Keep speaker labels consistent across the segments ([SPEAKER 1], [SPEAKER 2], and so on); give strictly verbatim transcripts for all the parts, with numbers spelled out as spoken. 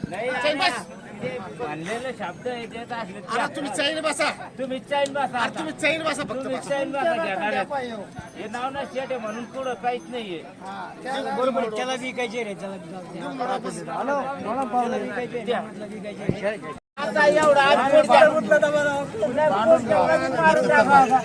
[SPEAKER 1] चैन बस.
[SPEAKER 2] म्हणलेलं शब्द आहे देत असले
[SPEAKER 1] अरे तुम्ही चैन बसा.
[SPEAKER 2] तुम्ही चैन बसा
[SPEAKER 1] अरे तुम्ही चैन बसा फक्त
[SPEAKER 2] तुम्ही
[SPEAKER 1] बसा.
[SPEAKER 2] चैन बसा घेणार आहेत. हे नाव ना शेट आहे म्हणून पुढं काहीच नाहीये.
[SPEAKER 3] बरोबर त्याला विकायचे रे त्याला
[SPEAKER 2] आता एवढा आज पोट उठलं तर बरं. पुन्हा पोट एवढा बी मारून टाका.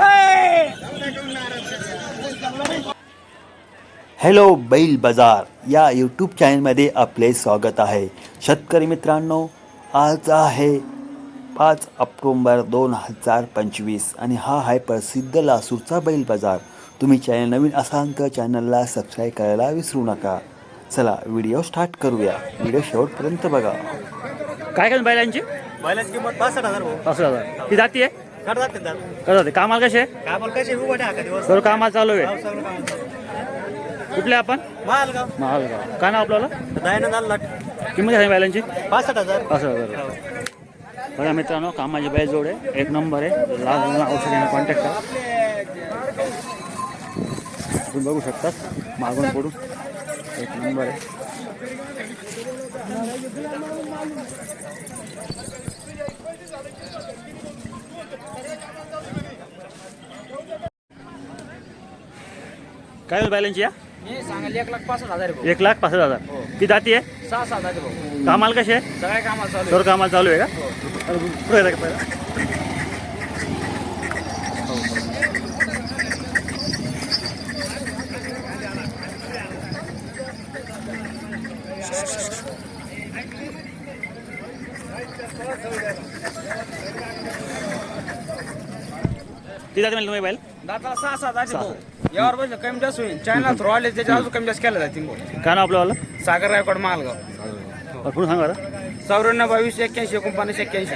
[SPEAKER 4] हॅलो बैल बाजार या यूट्यूब चॅनलमध्ये आपले स्वागत आहे. शेतकरी मित्रांनो, आज आहे पाच ऑक्टोंबर दोन हजार पंचवीस आणि हा आहे प्रसिद्ध लासूरचा बैल बाजार. तुम्ही चॅनल नवीन असाल तर चॅनलला सबस्क्राईब करायला विसरू नका. चला व्हिडिओ स्टार्ट करूया. व्हिडिओ शेवटपर्यंत बघा.
[SPEAKER 5] काय काय बैलांची
[SPEAKER 3] बैलाची किंमत पासष्ट हजार भाऊ.
[SPEAKER 5] पाच हजार ती जाती आहे
[SPEAKER 3] करतात ते दात
[SPEAKER 5] कसं जाते कामाला कसे
[SPEAKER 3] काय बोल कशी उभा टाका दिवस
[SPEAKER 5] सर्व कामाला चालू आहे.
[SPEAKER 3] सगळं काम चालू.
[SPEAKER 5] कुठले आपण
[SPEAKER 3] मालगाव
[SPEAKER 5] महालगाव काय नाव आपल्याला
[SPEAKER 3] दयानंद लाट
[SPEAKER 5] किंमत आहे बैलांची
[SPEAKER 3] पासष्ट हजार
[SPEAKER 5] पाच हजार बघा मित्रांनो, कामाची बैल जोड आहे, एक नंबर आहे. लाल रंगाला औषधांना कॉन्टॅक्ट करा. तुम्ही बघू शकतात मागून पडून एक नंबर आहे. काय बैलांची या
[SPEAKER 2] सांगायला एक लाख पासष्ट हजार आहे भाऊ.
[SPEAKER 5] एक लाख पाच हजार ती जाती आहे
[SPEAKER 2] सहा सात हजार भाऊ.
[SPEAKER 5] कामाला कसे
[SPEAKER 2] सगळ्या कामाला चालू
[SPEAKER 5] सर्व कामाला चालू आहे का? अरे, पुढे येतं का पहिला? ती जाते म्हणजे तुम्ही बैल
[SPEAKER 2] दाताला सहा सात हजार भाऊ. यावर बसलं कमी जास्त होईल. चायना थ्रू आले त्याच्या अजून कमी जास्त केलं जातील भाऊ.
[SPEAKER 5] काय नाव आपलं
[SPEAKER 2] सागर रायकोड मालगाव.
[SPEAKER 5] पुढे सांगा बरं.
[SPEAKER 2] चौऱ्याण्णव बावीस एक्क्याऐंशी एकोणपन्नास एक्क्याऐंशी.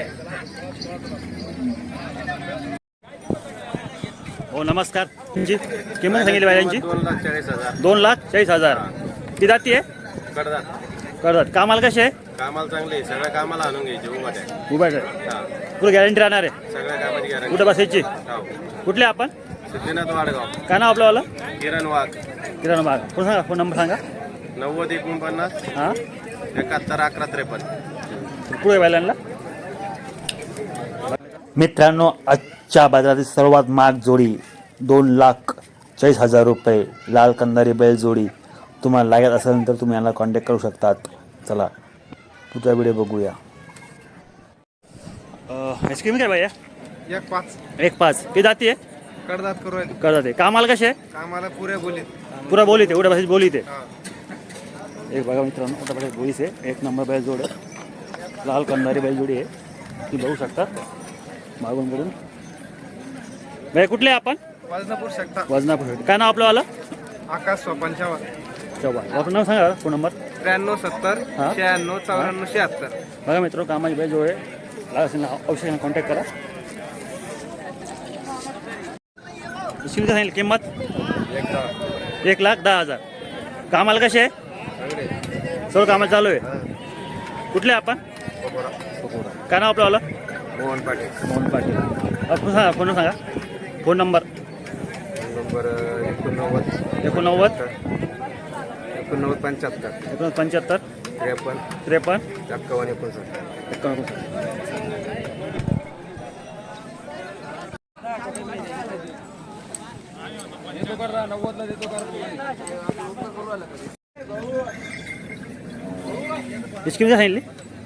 [SPEAKER 5] हो नमस्कार. तुमची किंमत सांगितली बैलांची
[SPEAKER 3] दोन लाख चाळीस हजार
[SPEAKER 5] दोन लाख चाळीस हजार ती जाती आहे
[SPEAKER 3] करतात
[SPEAKER 5] करतात कामाला कसे
[SPEAKER 3] कामाला चांगले सगळ्या कामाला आणून घ्यायचे उभा टाका
[SPEAKER 5] उभा आहे पुढे गॅरंटी राहणार आहे
[SPEAKER 3] सगळ्या कामाची गॅरंटी
[SPEAKER 5] कुठं बसायची कुठले आपण
[SPEAKER 3] सिद्धीनाथ वाडगाव
[SPEAKER 5] काय नाव आपलं
[SPEAKER 3] किरण वाघ
[SPEAKER 5] किराणा बाग कोण सांगा फोन नंबर सांगा.
[SPEAKER 3] नव्वद एकोणपन्नास
[SPEAKER 5] हां
[SPEAKER 3] एकाहत्तर अकरा त्रेपन्न.
[SPEAKER 5] पुढे बैलांना
[SPEAKER 4] मित्रांनो, आजच्या बाजारातील सर्वात महाग जोडी दोन लाख चाळीस हजार रुपये लाल कंदारी बैल जोडी. तुम्हाला लागत असेल तर तुम्ही यांना कॉन्टॅक्ट करू शकतात. चला पुढचा व्हिडिओ बघूया.
[SPEAKER 5] आईस्क्रीम काय भैया
[SPEAKER 3] एक पाच
[SPEAKER 5] एक पाच ती जाती आहे
[SPEAKER 3] कडदात करू
[SPEAKER 5] करतात आहे कामाला कसे
[SPEAKER 3] कामाला पुऱ्या बोलीत
[SPEAKER 5] पुरा बोली ते उड्या बसायची बोली ते एक बघा मित्रांनो, उड्या बसायची बोलीच आहे. एक नंबर बैल जोड आहे, लाल कंदारी बैल जोडी आहे. ती बघू शकतात मागून कडून. भैया कुठले आपण
[SPEAKER 3] वजनापूर शकता
[SPEAKER 5] वजनापूर काय नाव आपलं आलं
[SPEAKER 3] आकाश पंचावन्न
[SPEAKER 5] चव्हाण आपलं नाव सांगा फोन नंबर.
[SPEAKER 3] त्र्याण्णव सत्तर
[SPEAKER 5] हा.
[SPEAKER 3] शहाण्णव चौऱ्याण्णव शहात्तर.
[SPEAKER 5] बघा मित्र, कामाची बैल जोड आहे. लागत असेल ना औषधांना कॉन्टॅक्ट करा. शिवचं सांगितलं किंमत एक लाख दहा हजार कामाला कसे आहे सर्व कामाला चालू आहे. कुठले आपण काय नाव आपलं आलं
[SPEAKER 3] मोहन पाटील
[SPEAKER 5] मोहन पाटील. आपण सांगा फोन सांगा फोन नंबर
[SPEAKER 3] नंबर एकोणनव्वद
[SPEAKER 5] एकोणनव्वद
[SPEAKER 3] एकोणनव्वद पंच्याहत्तर
[SPEAKER 5] एकोण पंच्याहत्तर
[SPEAKER 3] त्रेपन्न
[SPEAKER 5] त्रेपन्न
[SPEAKER 3] एक्कावन्न एकोणसाठ.
[SPEAKER 5] एकोणनव्वद. इसकी किती सांगितली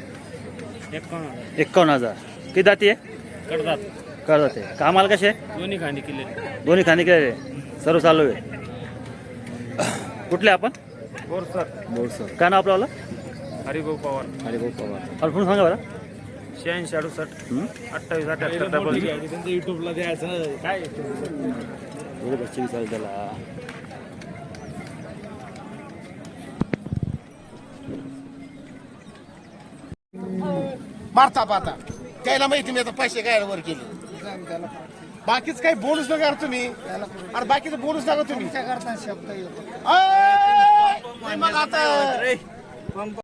[SPEAKER 5] एकावन्न हजार किती जाती आहे
[SPEAKER 2] करतात
[SPEAKER 5] करतात आहे कामाला कसे
[SPEAKER 2] दोन्ही खांदी केले.
[SPEAKER 5] दोन्ही खाणे केले सर्व चालू आहे. कुठले आपण
[SPEAKER 2] बोरसर
[SPEAKER 5] बोरसर काय नाव आपलं
[SPEAKER 2] हरिभाऊ पवार.
[SPEAKER 5] हरिभाऊ पवार आपण सांगा बरं.
[SPEAKER 2] शहाऐंशी अडुसष्ट
[SPEAKER 5] हं?
[SPEAKER 2] अठ्ठावीस अठ्याहत्तर डबल युट्यूबला द्यायचं काय
[SPEAKER 5] एवढे बच्चे विचार त्याला
[SPEAKER 1] मारता पाहता त्याला माहिती मी आता पैसे काय वर केले. बाकीच काही बोलूच नका यार तुम्ही. अरे बाकीचं बोलूच नका तुम्ही. शब्द मग आता